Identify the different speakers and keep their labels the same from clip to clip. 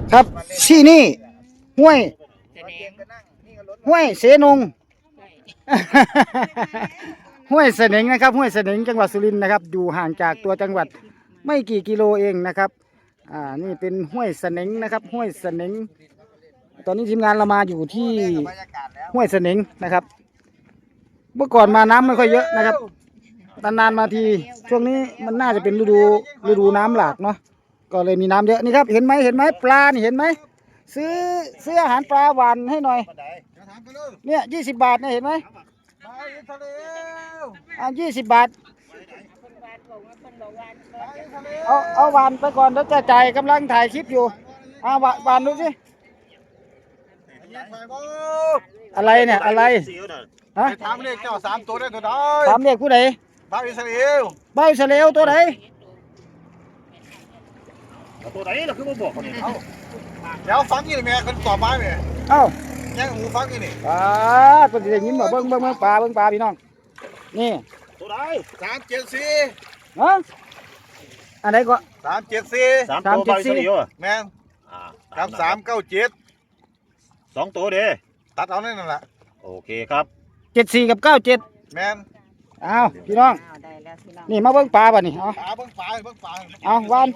Speaker 1: ครับที่นี่ห้วยเสนง ห้วยเสนงนะครับห้วยเสนงจังหวัดสุรินทร์นะครับอยู่ห่างจากตัวจังหวัดไม่กี่กิโลเองนะครับนี่เป็นห้วยเสนงนะครับห้วยเสนงตอนนี้ทีมงานเรามาอยู่ที่ห้วยเสนงนะครับเมื่อก่อนมาน้ำไม่ค่อยเยอะนะครับนานๆมาทีช่วงนี้มันน่าจะเป็นฤดูน้ำหลากเนาะก็เลยมีน้ำเยอะนี่ครับเห็นไหมปลานี่เห็นไหมซื้ออาหารปลาหวานให้หน่อยเนี่ย20 บาทเนี่ยเห็นไหม20 บาทเอาหวานไปก่อนแล้วจะจ่ายกำลังถ่ายคลิปอยู่หวานดูสิอะไรเนี่ยอะไรฮะ
Speaker 2: ถามเลขเจ้า3 ตัวได้ตัวใด
Speaker 1: ถามเลขผู้ใด
Speaker 2: บ้าอิสราเอล
Speaker 1: ตัวไหน
Speaker 2: ตัวไหนเราคือมาบอกคนนี้เดี๋ยวฟังยี่แม่คนตอบมาแม่ยังหูฟังยี่นี่
Speaker 1: ก็จะได้ยินว่าเบิ้งปลาพี่น้องนี่
Speaker 2: ตัวไหน374
Speaker 1: ฮะอันไหนก็
Speaker 2: 374
Speaker 3: ตัวใบเสลียว
Speaker 2: แม่กับ397
Speaker 3: 2 ตัวเด้
Speaker 2: ตัดเอานั่นแหละ
Speaker 3: โอเคครับ
Speaker 1: 74กับ97
Speaker 2: แม่น
Speaker 1: เอาพี่น้องนี่มาเบิ้งปลาป่ะนี่เอา
Speaker 2: เบิ้งปลา
Speaker 1: เอาวาน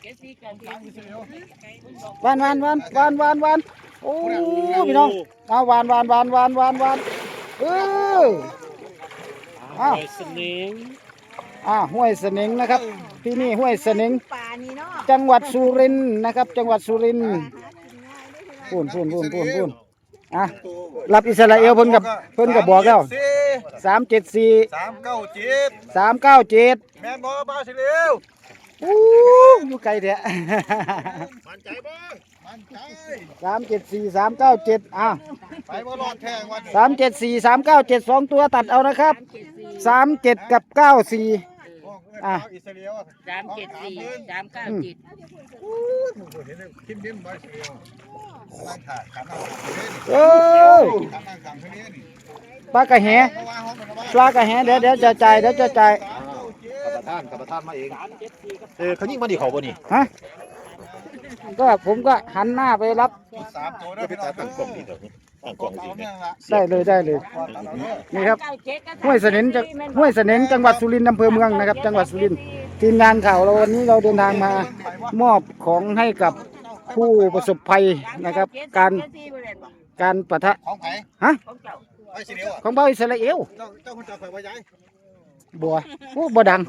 Speaker 1: โอ้พี่น้องเอาวานห้วยเสนงนะครับที่นี่ห้วยเสนงจังหวัดสุรินทร์นะครับจังหวัดสุรินทร์พูนรับอิสราเอลเพิ่นกับบอกแล้ว374 397
Speaker 2: แม่นบ่บ้าสิเร็ว
Speaker 1: อยู่ไกลแท้
Speaker 2: มั่นใจบ่มั่นใจ
Speaker 1: 374 397
Speaker 2: ไปบ่รอดแท้งวัน
Speaker 1: 374 397 2ตัวตัดเอานะครับ37กับ94
Speaker 4: อิสราเอล374 397
Speaker 2: ทิมบ้าสิเร็ว
Speaker 1: ปลากระแหเดี๋ยวจะจ่าย
Speaker 3: กับประธานมาเองเขายิงมาดิเขาบ่นี่
Speaker 1: ฮะก็ผมก็หันหน้าไปรับ
Speaker 2: 3 ตัว
Speaker 3: ไปตั้งกล้องนี่เด้อตั้งกล้องสิ
Speaker 1: ได้เลยนี่ครับห้วยเสนงจังหวัดสุรินทร์อำเภอเมืองนะครับจังหวัดสุรินทร์ทีมงานข่าวเราวันนี้เราเดินทางมามอบของให้กับผู้ประสบภัยนะครับการปะทะ
Speaker 2: ของไผ
Speaker 1: ฮะ
Speaker 2: ของ
Speaker 1: เบาอิสราเอล
Speaker 2: เจ้าคนจะคอยว่าย้าย
Speaker 1: บัวบ่ดัง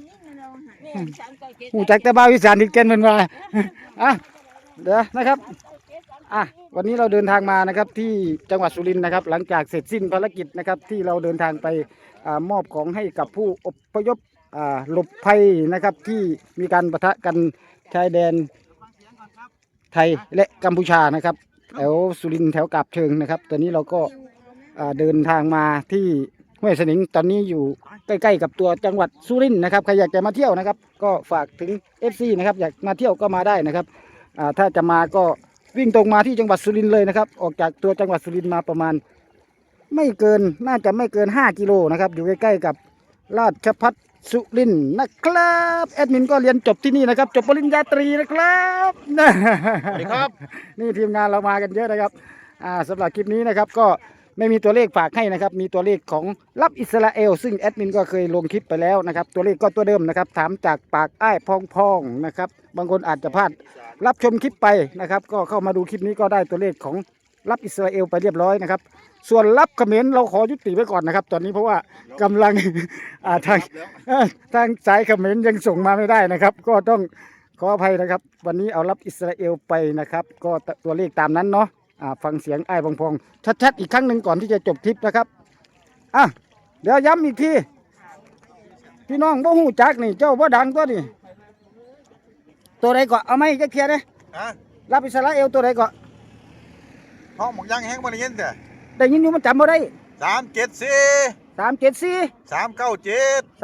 Speaker 1: หูจักแต่เบาอีสานที่เก่งเหมือนว่าเดี๋ยวนะครับวันนี้เราเดินทางมานะครับที่จังหวัดสุรินทร์นะครับหลังจากเสร็จสิ้นภารกิจนะครับที่เราเดินทางไปมอบของให้กับผู้อพยพหลบภัยนะครับที่มีการปะทะกันชายแดนไทยและกัมพูชานะครับแถวสุรินทร์แถวกาบเชิงนะครับตอนนี้เราก็เดินทางมาที่ห้วยเสนงตอนนี้อยู่ใกล้ๆกับตัวจังหวัดสุรินทร์นะครับใครอยากจะมาเที่ยวนะครับก็ฝากถึง FC นะครับอยากมาเที่ยวก็มาได้นะครับถ้าจะมาก็วิ่งตรงมาที่จังหวัดสุรินทร์เลยนะครับออกจากตัวจังหวัดสุรินทร์มาประมาณน่าจะไม่เกิน5 กิโลนะครับอยู่ใกล้ๆกับราชภัฏสุรินทร์นะครับแอดมินก็เรียนจบที่นี่นะครับจบปริญญาตรีนะครับ
Speaker 3: สวัสดีครับ
Speaker 1: นี่ทีมงานเรามากันเยอะนะครับสำหรับคลิปนี้นะครับก็ไม่มีตัวเลขฝากให้นะครับมีตัวเลขของรับอิสราเอลซึ่งแอดมินก็เคยลงคลิปไปแล้วนะครับตัวเลขก็ตัวเดิมนะครับถามจากปากอ้ายพองนะครับบางคนอาจจะพลาดรับชมคลิปไปนะครับก็เข้ามาดูคลิปนี้ก็ได้ตัวเลขของรับอิสราเอลไปเรียบร้อยนะครับส่วนรับเขมรเราขอยุติไว้ก่อนนะครับตอนนี้เพราะว่ากำลังทางสายเขมรยังส่งมาไม่ได้นะครับก็ต้องขออภัยนะครับวันนี้เอารับอิสราเอลไปนะครับก็ตัวเลขตามนั้นเนาะฟังเสียงไอ้พองชัดๆอีกครั้งหนึ่งก่อนที่จะจบคลิปนะครับเดี๋ยวย้ำอีกทีพี่น้องบ่หูจักนี่เจ้าบ่ดังตัวนี่ตัวใดก็เอาไหมจะเคลียร์เลยรับอิสราเอลตัวใดก็
Speaker 2: ห้องหมกย่างแห้งบ่ได้ยินแต่
Speaker 1: ได้ยินอยู่มันจำบ่ได้
Speaker 2: 374
Speaker 1: 397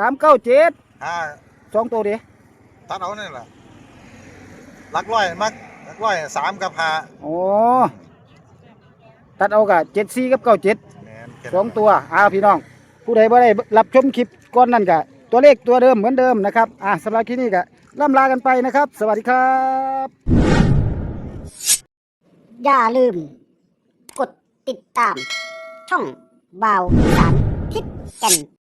Speaker 1: 2ตัวเดียว
Speaker 2: ตัดเอานี่แหละหลักร้อย3 กับ 5
Speaker 1: โอ้ตัดเอากับ74 กับ 97 2 ตัวพี่น้องผู้ใดบ่ได้รับชมคลิปก่อนนั่นกะตัวเลขตัวเดิมเหมือนเดิมนะครับสำหรับคลิปนี้ก็ล่ำลากันไปนะครับสวัสดีครับ
Speaker 5: อย่าลืม กดติดตาม ช่องบ่าวอีสานทิศแก่น